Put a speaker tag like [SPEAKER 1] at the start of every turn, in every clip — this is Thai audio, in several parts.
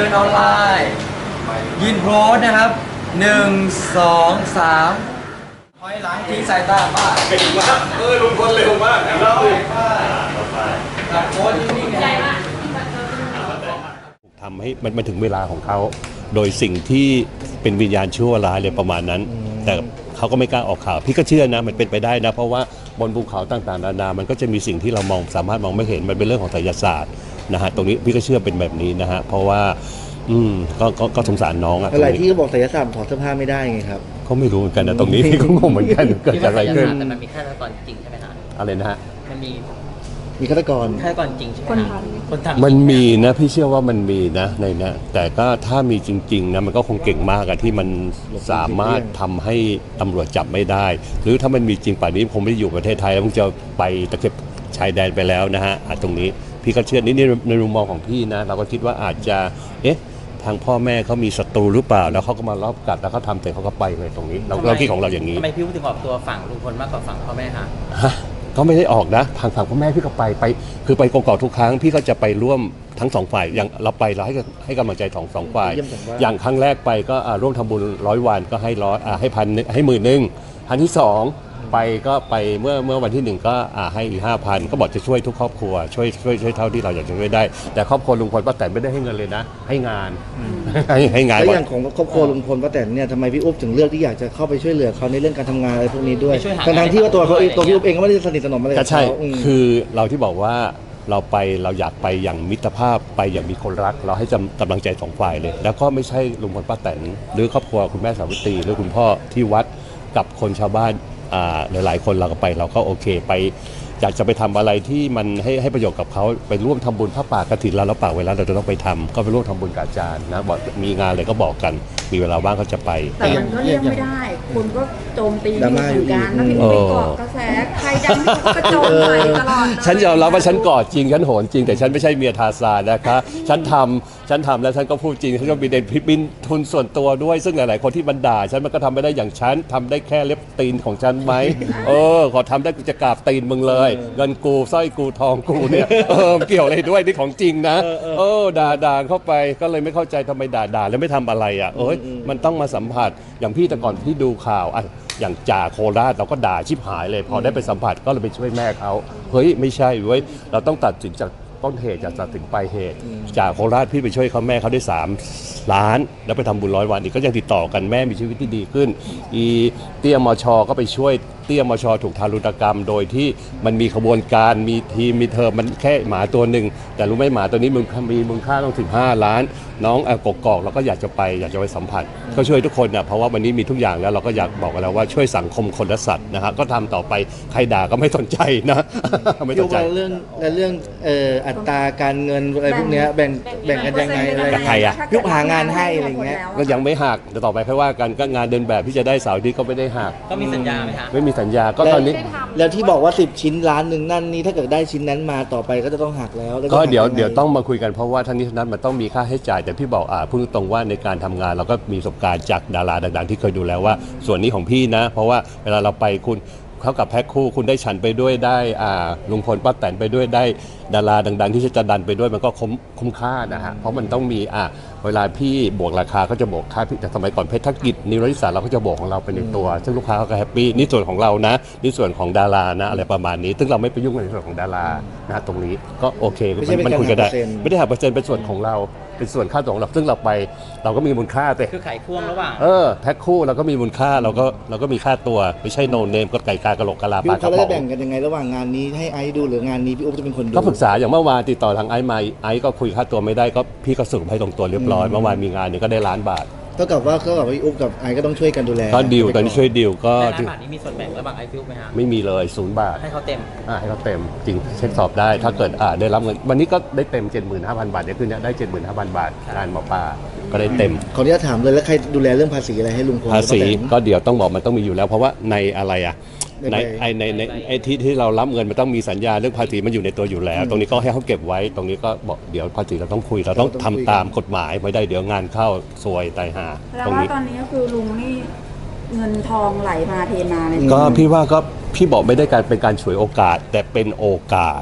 [SPEAKER 1] นออนไลน์ยืนโพสนะครับ1 2 3ถอยหลังทิ้งสายตาป้า
[SPEAKER 2] เก่งมากลุงพลเร็วมากเรา
[SPEAKER 1] จับโพสนิ่งๆนะ
[SPEAKER 3] ทำให้มันถึงเวลาของเขาโดยสิ่งที่เป็นวิญญาณชั่วร้ายเลยประมาณนั้นแต่เขาก็ไม่กล้าออกข่าวพี่ก็เชื่อนะมันเป็นไปได้นะเพราะว่าบนภูเขาต่างๆนานามันก็จะมีสิ่งที่เราสามารถมองไม่เห็นมันเป็นเรื่องของไสยศาสตร์นะฮะตรงนี้พี่ก็เชื่อเป็นแบบนี้นะฮะเพราะว่าก็สงสารน้องอะ
[SPEAKER 4] อะไรที่เขาบอกไสยศาสตร์ถอดเสื้อผ้าไม่ได้ไงครับ
[SPEAKER 3] เขาไม่รู้เหมือนกันนะตรงนี้พี่ก็งงเหมือนกันเกิดจากอะไรขึ้น
[SPEAKER 5] แต่มันมีฆาตกรจริงใช่ไหมฮะ
[SPEAKER 3] อะไรนะฮะ
[SPEAKER 5] มัน
[SPEAKER 4] มีฆาตกร
[SPEAKER 5] จริงใช่ไหมคนทำ
[SPEAKER 3] มันมีนะพี่เชื่อว่ามันมีนะในนี้แต่ก็ถ้ามีจริงๆนะมันก็คงเก่งมากอะที่มันสามารถทำให้ตำรวจจับไม่ได้หรือถ้ามันมีจริงป่านนี้คงไม่ได้อยู่ประเทศไทยแล้วคงจะไปตะเข็บชายแดนไปแล้วนะฮะตรงนี้พี่ก็เชื่อนี่ในมุมมองของพี่นะเราก็คิดว่าอาจจะทางพ่อแม่เขามีศัตรูหรือเปล่าแล้วเขาก็มารอบกัดแล้วเขาทำแต่เขาก็ไปเลยตรงนี้เราคิดของเราอย่างนี้
[SPEAKER 5] ทำไมพี่ถึงออกตัวฝั่งลุงพลมากกว่าฝั่งพ่อแม่คะ
[SPEAKER 3] ก็ไม่ได้ออกนะทางฝั่งพ่อแม่พี่ก็ไปคือไปกองทุกครั้งพี่ก็จะไปร่วมทั้งสองฝ่ายอย่างเราไปเราให้กำลังใจสองฝ่ายอย่างครั้งแรกไปก็ร่วมทำบุญ100 วันก็ให้พันให้10,000ครั้งที่2ไปก็ไปเมื่อวันที่1ก็ให้อีก5,000ก็บอกจะช่วยทุกครอบครัวช่วยเท่าที่เราอยากจะช่วยได้แต่ครอบครัวลุงพลป้าแตนไม่ได้ให้เงินเลยนะให้งานให้งาน
[SPEAKER 4] แล้วอย่างของครอบครัวลุงพลป้าแตนเนี่ยทำไมพี่อุ๊บถึงเลือกที่อยากจะเข้าไปช่วยเหลือเขาในเรื่องการทำงานอะไรพวกนี้ด้วยทั้งที่ว่าตัวพี่อุ๊บเองก็ไม่ได้สนิทสนมอะไรกับ
[SPEAKER 3] เขาใช่
[SPEAKER 4] คือ
[SPEAKER 3] เราที่บอกว่าเราอยากไปอย่างมิตรภาพไปอย่างมีคนรักเราให้กำลังใจ2 ฝ่ายเลยแล้วก็ไม่ใช่ลุงพลป้าแตนหรือครอบครัวคุณแม่สาวิตรีหรือคุณพ่อที่วัดกับคนชาวบ้านหลายๆคนเราก็ไปเราก็โอเคไปอยากจะไปทำอะไรที่มันให้ประโยชน์กับเขาไปร่วมทำบุญพระป่ากฐินแล้วเราป่าเวลาเราจะต้องไปทำก็ไปร่วมทำบุญกับอาจารย์นะบอกมีงานอะไรก็บอกกันมีเวลาว่างก็จะไป
[SPEAKER 6] แต่มันก็เลี่ยงไม่ได้คุณก็โจมตีอยู่เหมือนกันแล้วพี่ไปเกาะกระแสใครดังก็โจมใส่ตลอด
[SPEAKER 3] ฉันยอมรับว่าฉันกอดจริงฉันโหนจริงแต่ฉันไม่ใช่เมียทาซานนะคะฉันทำแล้วฉันก็พูดจริงฉันก็มีเด่นบินทุนส่วนตัวด้วยซึ่งหลายๆคนที่บันด่าฉันมันก็ทำไม่ได้อย่างฉันทำได้แค่เล็บตีนของฉันไหมขอทำได้กูจะกราบตีนมึงเลยเงินกูสร้อยกูทองกูเนี่ยเกี่ยวอะไรด้วยนี่ของจริงนะด่าเข้าไปก็เลยไม่เข้าใจทำไมด่าแล้วไม่ทำอะไรอ่ะมันต้องมาสัมผัสอย่างพี่แต่ก่อนพี่ดูข่าวอย่างจ่าโคราชเราก็ด่าชิบหายเลยพอได้ไปสัมผัสก็เลยไปช่วยแม่เขาเฮ้ยไม่ใช่เว้ยเราต้องตัดสินจากต้นเหตุจากตัดถึงปลายเหตุจ่าโคราชพี่ไปช่วยเขาแม่เขาได้3 ล้านแล้วไปทำบุญ100 วันอีกก็ยังติดต่อกันแม่มีชีวิตที่ดีขึ้นเตี้ยมชก็ไปช่วยเตี้ยมชถูกทารุณกรรมโดยที่มันมีขบวนการมีทีมมีเธอมันแค่หมาตัวหนึ่งแต่รู้ไหมหมาตัวนี้มีมูลค่าต้องถึง5 ล้านน้องกกอกเราก็อยากจะไปสัมผัสก็ช่วยทุกคนนะเพราะว่าวันนี้มีทุกอย่างแล้วเราก็อยากบอกกันแล้วว่าช่วยสังคมคนและสัตว์นะฮะก็ทำต่อไปใครด่าก็ไม่สนใจนะไม่สนใจ
[SPEAKER 4] เรื่องอัตราการเงินอะไรพวกนี้แบ่งกันยังไงอะไร
[SPEAKER 3] กับใคร
[SPEAKER 4] ยุบหางานให้อะไรเงี้ย
[SPEAKER 3] ก็ยังไม่หักแต่ต่อไปค่อยว่ากันก็งานเดินแบบที่จะได้เสาร์ที่ก็ไม่ได้หัก
[SPEAKER 5] ก็มีสัญญาไหมคะ
[SPEAKER 3] ไม่มีสัญญาก็ตอนนี้
[SPEAKER 4] แล้วที่บอกว่า10 ชิ้น1 ล้านนั่นนี่ถ้าเกิดได้ชิ้นนั้นมาต่อไปก็จะต้องหักแล้ว
[SPEAKER 3] ก็เดี๋ยวต้องมาคุยกันเพราะว่าทั้งนี้ทั้งนั้นมันต้องมีค่าใช้จ่ายแต่พี่บอกพูดตรงว่าในการทำงานเราก็มีประสบการณ์จากดาราดังๆที่เคยดูแล้วว่าส่วนนี้ของพี่นะเพราะว่าเวลาเราไปคุณเข้ากับแพ็คคู่คุณได้ฉันไปด้วยได้ลุงพลป้าแตนไปด้วยได้ดาราดังๆที่จะดันไปด้วยมันก็คุ้มค่านะฮะเพราะมันต้องมีเวลาพี่บวกราคาก็จะบวกค่าพี่แต่สมัยก่อนเพชรธกิจนิรนิสาเราก็จะบวกของเราไปในตัวซึ่งลูกค้าเขาก็แฮปปี้นี่ส่วนของเรานะนี่ส่วนของดารานะอะไรประมาณนี้ซึ่งเราไม่ไปยุ่งในส่วนของดารานะตรงนี้ก็โอเคมันคุยกันได้ไม่ได้หักเปอร์เซ็นต์เป็นส่วนของเราเป็นส่วนค่าตัวของเราซึ่งเราไปเราก็มีมูลค่าแต่
[SPEAKER 5] คือขายพ่วงระหว่าง
[SPEAKER 3] แพ็คคู่เราก็มีมูลค่าเราก็มีค่าตัวไม่ใช่โนเนมก็ไก่กากระโหลกกะลาปลากระป๋อง
[SPEAKER 4] เขาจะแบ่งกันยังไงระหว่างงานนี้ให้ไอซ์ดูหรืองานนี้พี่อุ๊บจะเป็นคนดู
[SPEAKER 3] ก็ปรึกษาอย่างเมื่อวานติดต่อทางไอซ์มาไอซ์ก็คุยค่าตัวไม่ได้ก็พี่ก็สรุปให้ตรงตัวเรียบร้อยเมื่อวานมีงานเนี่ยก็ได้1 ล้านบาท
[SPEAKER 4] เท่ากับว่าพี่อุ๊บกับไอซ์ก็ต้องช่วยกันดูแล
[SPEAKER 3] ก็ดีลตอนนี้ช่วยดีลก็
[SPEAKER 5] 1 ล้านบาทนี้มีส่วนแบ่งระหว่างไอซ์ฟิวไหมฮะ
[SPEAKER 3] ไม่มีเลย0 บาท
[SPEAKER 5] ให้เขาเต็ม
[SPEAKER 3] ให้เขาเต็มจริงเช็คสอบได้ถ้าเกิดได้รับเงินวันนี้ก็ได้เต็ม 75,000 บาทเนี่ยคือเนี่ยได้ 75,000 บาทงานหมอปลาก็ได้เต็ม
[SPEAKER 4] ขออนุญาตถามเลยแล้วใครดูแลเรื่องภาษีอะไรให้ลุงพล
[SPEAKER 3] ภาษีก็เดี๋ยวต้องบอกมันต้องมีอยู่แล้วเพราะว่าในอะไรในที่เรารับเงินมันต้องมีสัญญาเรื่องภาษีมันอยู่ในตัวอยู่แล้วตรงนี้ก็ให้เขาเก็บไว้ตรงนี้ก็บอกเดี๋ยวภาษีเราต้องคุยเราต้องทำตามกฎหมายไม่ได้เดี๋ยวงานเข้าซวยตายห่า
[SPEAKER 6] แล้วว่าตอนนี้ก็คือลุงนี่เงินทองไหลมาเทมาเลย
[SPEAKER 3] ก็พี่ว่าก็พี่บอกไม่ได้การเป็นการฉวยโอกาสแต่เป็นโอกาส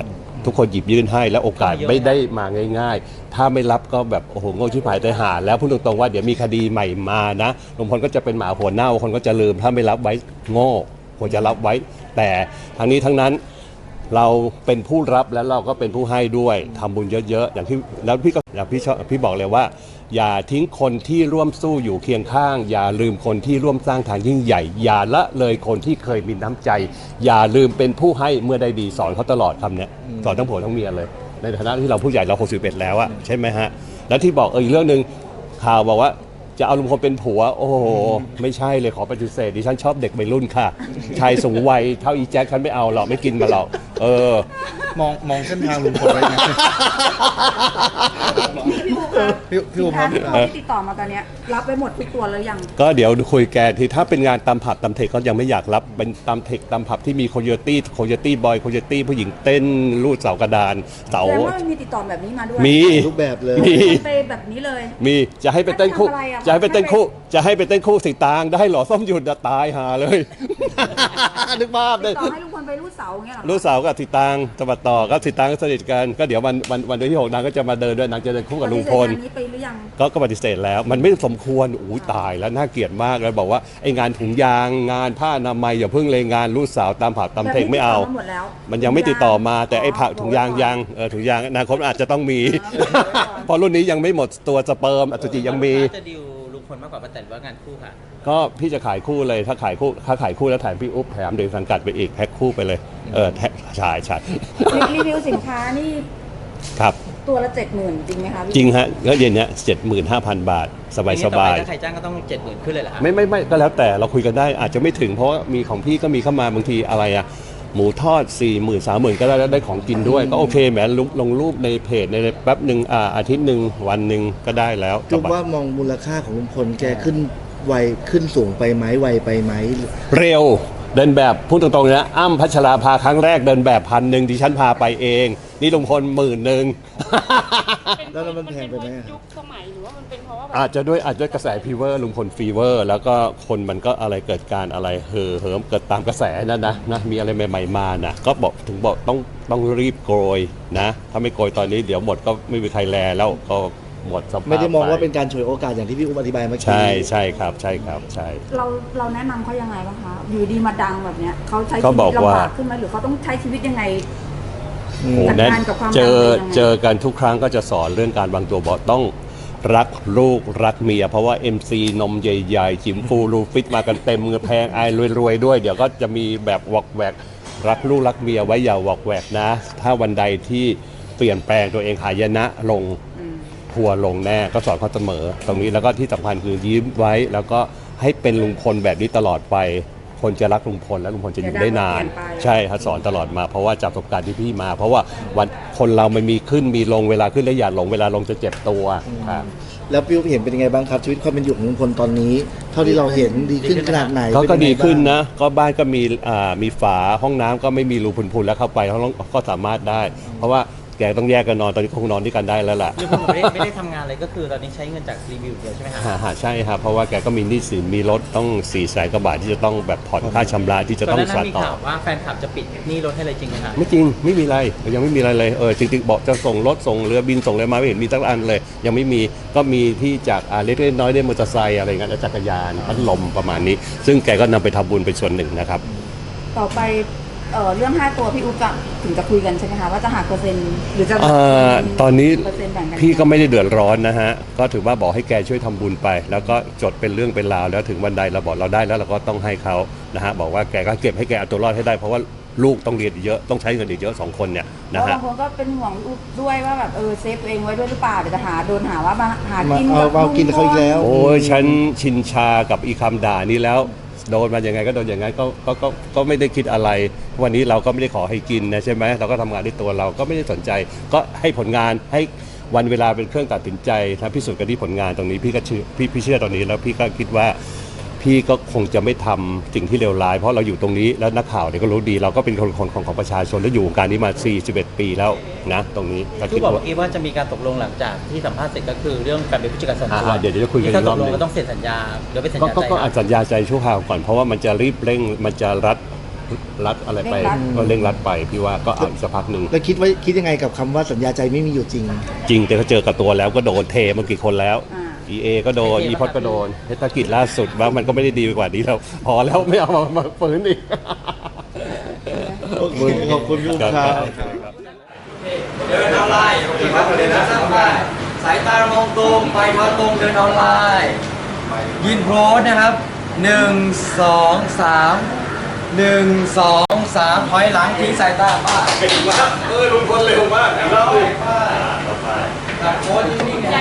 [SPEAKER 3] ทุกคนหยิบยื่นให้แล้วโอกาสไม่ได้มาง่ายๆ ถ้าไม่รับก็แบบโอ้โหโง่ชิบหายใจหาแล้วพูดตรงๆว่าเดี๋ยวมีคดีใหม่มานะลุงพลก็จะเป็นหมาหัวเน่าคนก็จะลืมถ้าไม่รับไว้โง่ควรจะรับไว้ แต่ทั้งนี้ทั้งนั้นเราเป็นผู้รับแล้วเราก็เป็นผู้ให้ด้วยทำบุญเยอะๆอย่างที่แล้วพี่ก็อย่างพี่บอกเลยว่า อย่าทิ้งคนที่ร่วมสู้อยู่เคียงข้าง อย่าลืมคนที่ร่วมสร้างทางยิ่งใหญ่ อย่าละเลยคนที่เคยมีน้ำใจ อย่าลืมเป็นผู้ให้เมื่อได้ดีสอนเขาตลอดคำเนี้ยสอนทั้งผัวทั้งเมียเลย ในฐานะที่เราผู้ใหญ่เรา61แล้วอะใช่ไหมฮะแล้วที่บอกอีกเรื่องหนึ่งข่าวบอกว่าจะเอาลุงพลเป็นผัวโอ้โหไม่ใช่เลยขอปฏิเสธดิฉันชอบเด็กวัยรุ่นค่ะชายสูงวัยเท่าอีแจ็คฉันไม่เอาหรอกไม่กินมาหรอก
[SPEAKER 4] มองเส้นทางลุงพลไว้นะ
[SPEAKER 6] พี่อู๋ครับที่ติดต่อมาตอนเนี้ยรับไปหมดทุกตัวแล้วยัง
[SPEAKER 3] ก็เดี๋ยวคุยแกที่ถ้าเป็นงานตามผับตามเทคก็ยังไม่อยากรับเป็นตามเทคตามผับที่มีโคโยตี้บอยโคโยตี้ผู้หญิงเต้นลูดเสากระดานเสา
[SPEAKER 6] แล้วมีติดต่อแบบนี้มาด้วย
[SPEAKER 3] มี
[SPEAKER 4] รูปแบบเลย
[SPEAKER 3] มี
[SPEAKER 6] ไปแบบนี้เลย
[SPEAKER 3] มีจะให้ไปเต้นคู่จะให้ไปเต้นคู่สีตางได้หรอส้มหยุดตายหาเลยนึกภาพเลย
[SPEAKER 6] ต่อให้ลุงพลไปรูดเสาอย่างเงี้ยหรอ
[SPEAKER 3] รูดเสากับสีตางสบัดต่อก็สีตางก็สนิทกันก็เดี๋ยววันที่6นางก็จะมาเดินด้วยนางจะเดินคู่กับลุงพล
[SPEAKER 6] นี้ไปหรือยัง
[SPEAKER 3] ก็ปฏิเสธแล้วมันไม่สมควรอู้ตายแล้วน่าเกลียดมากเลยบอกว่าไอ้งานถุงยางงานผ้าอนามัยอย่าเพิ่งเลยงานรูดเสาตามผับตามเทคไม่เอามันยังไม่ติดต่อมาแต่ไอ้ผักถุงยางถุงยางอนาคตอาจจะต้องมีเพราะรุ่นนี้ยังไม่หมดตัวสเปิร์มอสุจิยังมี
[SPEAKER 5] จะดิวลุงพลมากกว่าป้าแตนว่างานคู่ค่ะ
[SPEAKER 3] ก็พี่จะขายคู่เลยถ้าขายคู่แล้วแถมพี่อุ๊บแถมเด็กสังกัดไปอีกแพ็คคู่ไปเลยใช่
[SPEAKER 6] รีวิวสินค้านี่
[SPEAKER 3] ครับ
[SPEAKER 6] ตัวละ 70,000 จริงไหมคะ
[SPEAKER 3] จริงฮะแล้วเย็นเนี้ย 75,000 บาทสบายถ้
[SPEAKER 5] าใครจ้างก็ต้อง 70,000 ขึ้นเลยเหรอครับ
[SPEAKER 3] ไม่ก็แล้วแต่เราคุยกันได้อาจจะไม่ถึงเพราะมีของพี่ก็มีเข้ามาบางทีอะไรอะหมูทอด 40,000 30,000 ก็ได้ของกินด้วยก็โอเคแหมลงรูปในเพจในแป๊บหนึ่งอาทิตย์หนึ่งวันหนึ่งก็ได้แล้ว
[SPEAKER 4] คิดว่ามองมูลค่าของลุงพลแกขึ้นไวขึ้นสูงไปไหมไวไปไหม
[SPEAKER 3] เร็วเดินแบบพูดตรงๆนะอ้ำพัชราภาครั้งแรกเดินแบบ1,000ดิฉันพาไปเองนี่ลุงพล10,000
[SPEAKER 4] แล้วมันแพงไปไหม
[SPEAKER 7] ยุคสมัยหรือว่ามันเป็นเพราะว่า
[SPEAKER 3] อาจจะด้วยกระแสฟีเวอร์ลุงพลฟีเวอร์แล้วก็คนมันก็อะไรเกิดการอะไรเหิมเกิดตามกระแสนะมีอะไรใหม่ๆมานะก็บอกต้องรีบโกยนะถ้าไม่โกยตอนนี้เดี๋ยวหมดก็ไม่มีใครแลแล้วก็หมดสภาพ
[SPEAKER 4] ไม่ได้มองว่าเป็นการฉวยโอกาสอย่างที่พี่อุ้มอธิบายเมื่อกี้
[SPEAKER 3] ใช่ครับใช่
[SPEAKER 6] เราแนะนำเขายังไงบ้างคะอยู่ดีมาดังแบบเนี้ยเขาใช้ชีวิตลำบากขึ้นไหมหรือเขาต้องใช้ชีวิตยังไงจัดการกับความ
[SPEAKER 3] เจอกันทุกครั้งก็จะสอนเรื่องการวางตัวบอกต้องรักลูกรักเมียเพราะว่า MC นมใหญ่ๆจิ๋มฟูรูฟิตมากันเต็มเงินแพงรวยด้วยเดี๋ยวก็จะมีแบบวอกแวกรักลูกรักเมียไว้อย่าวอกแวกนะถ้าวันใดที่เปลี่ยนแปลงตัวเองหายนะลงทัวลงแน่ก็สอนเขาเสมอตรงนี้แล้วก็ที่สำคัญคือยิ้มไว้แล้วก็ให้เป็นลุงพลแบบนี้ตลอดไปคนจะรักลุงพลและลุงพลจะอยู่ได้นานใช่ครับสอนตลอดมาเพราะว่าจากประสบการณ์ที่พี่มาเพราะว่าวันคนเรามันมีขึ้นมีลงเวลาขึ้นแล้วอย่าหลงเวลาลงจะเจ็บตัวครับ
[SPEAKER 4] แล้วพี่เห็นเป็นยังไงบ้างครับชีวิตความเป็นอยู่ของลุงพลตอนนี้เท่าที่เราเห็นดีขึ้นขนาดไหน
[SPEAKER 3] ก็ดีขึ้นนะก็บ้านก็มีฝาห้องน้ำก็ไม่มีรูพุนๆแล้วเข้าไปก็สามารถได้เพราะว่าแกต้องแยกกันนอนตอนนี้คงนอนด้วยกันได้แล้วล่ะ
[SPEAKER 5] คือผมไม่ได้ทำงานเลยก็คือตอนนี้ใช้เงินจากรีวิวเดียวใช่ไหม
[SPEAKER 3] ครับใช่ครับเพราะว่าแกก็มีหนี้สินมีรถต้อง400,000 กว่าบาทที่จะต้องแบบผ่อนค่าชำระที่จะต้อง
[SPEAKER 5] สานต่อมีข่าวว่าแฟนคลับจะปิดหนี้รถให้เลยจริงไหมครับ
[SPEAKER 3] ไม่จริงไม่มีอะไรยังไม่มีอะไรเลยจริงๆบอกจะส่งรถส่งเรือบินส่งอะไรมาไม่เห็นมีสักอันเลยยังไม่มีก็มีที่จากเล็กๆน้อยๆได้มอเตอร์ไซค์อะไรเงี้ยจักรยานพัดลมประมาณนี้ซึ่งแกก็นำไปทำบุญเป็นส่วนหนึ่งนะครับ
[SPEAKER 6] ต่อไปเรื่อง5ตัวพี่อุ๊บถึงจะคุยกันใช่ไหมคะว่าจะหักเปอร์เซ็นต์หรือจะ
[SPEAKER 3] ตอนนี้พี่ก็ไม่ได้เดือดร้อนนะฮะก็ถือว่าบอกให้แกช่วยทำบุญไปแล้วก็จดเป็นเรื่องเป็นราวแล้วถึงวันใดเราบอกเราได้แล้วเราก็ต้องให้เขานะฮะบอกว่าแกก็เก็บให้แกเอาตัวรอดให้ได้เพราะว่าลูกต้องเรียนเยอะต้องใช้เงินอีกเยอะ2 คนเนี่ยนะฮะ
[SPEAKER 6] บางคนก็เป็นห่วงอุ๊บด้วยว่าแบบเซฟตัวเองไว้ด้วยหรือเปล่าเดี๋ยวจะโดนหาว่ามาหากิน
[SPEAKER 4] เอากินเขาอีกแล้ว
[SPEAKER 3] โอ้ยฉันชินชากับอีคำด่านี้แล้วโดนมาอย่างไงก็โดนอย่างไงก็ไม่ได้คิดอะไรวันนี้เราก็ไม่ได้ขอให้กินนะใช่ไหมเราก็ทำงานด้วยตัวเราก็ไม่ได้สนใจก็ให้ผลงานให้วันเวลาเป็นเครื่องตัดสินใจถ้าพิสูจน์กันที่ผลงานตรงนี้พี่ก็พี่เชื่อตรงนี้แล้วพี่ก็คิดว่าพี่ก็คงจะไม่ทำสิ่งที่เลวร้ายเพราะเราอยู่ตรงนี้แล้วนักข่าวเนี่ยก็รู้ดีเราก็เป็นคนของประชาชนและอยู่วงการนี้มา41 ปีแล้วนะตรงนี้
[SPEAKER 5] คือบอกว่าจะมีการตกลงหลังจากที่สัมภาษณ์เสร็จก็คือเรื่องการเป็นผู้จัดการส่วนตัว
[SPEAKER 3] เดี๋ยวจะคุยกันอีกรอบนึง
[SPEAKER 5] ก็ต้องเซ็นสัญญาหรือเป็นสัญญาใจ
[SPEAKER 3] ก็สัญญาใจชั่วคราวก่อนเพราะว่ามันจะรีบเร่งมันจะรัดรัดอะไรไป
[SPEAKER 6] เร่งรัด
[SPEAKER 3] ก็เร่งรัดไปพี่ว่าก็เอาอีกสักพักหนึ่ง
[SPEAKER 4] แล้วคิดยังไงกับคำว่าสัญญาใจไม่มีอยู่จริง
[SPEAKER 3] จริงแต่เขาเจอกับตัวแล้วก็โดนเทมากี่คนแล้ว
[SPEAKER 6] อ่า
[SPEAKER 3] EA ก็โดน อีพอดก็โดนเทศกิจล่าสุดว่ามันก็ไม่ได้ดีไปกว่านี้แล้วพอแล้วไม่เอามาฝืนอีก
[SPEAKER 4] ขอบคุณพี่อุ๊บครับ
[SPEAKER 1] เดินออนไลน์โอเคครับเดินหน้าสร้างได้สายตามองตรงไปมาตรงเดินออนไลน์ยินโพสนะครับ1 2 3 1 2 3ถอยหลังทิ้งสายตาป้า
[SPEAKER 2] เก่งมากลุงพลเร็วมากนะครับ
[SPEAKER 1] ตัดโพสนิ่งๆนะ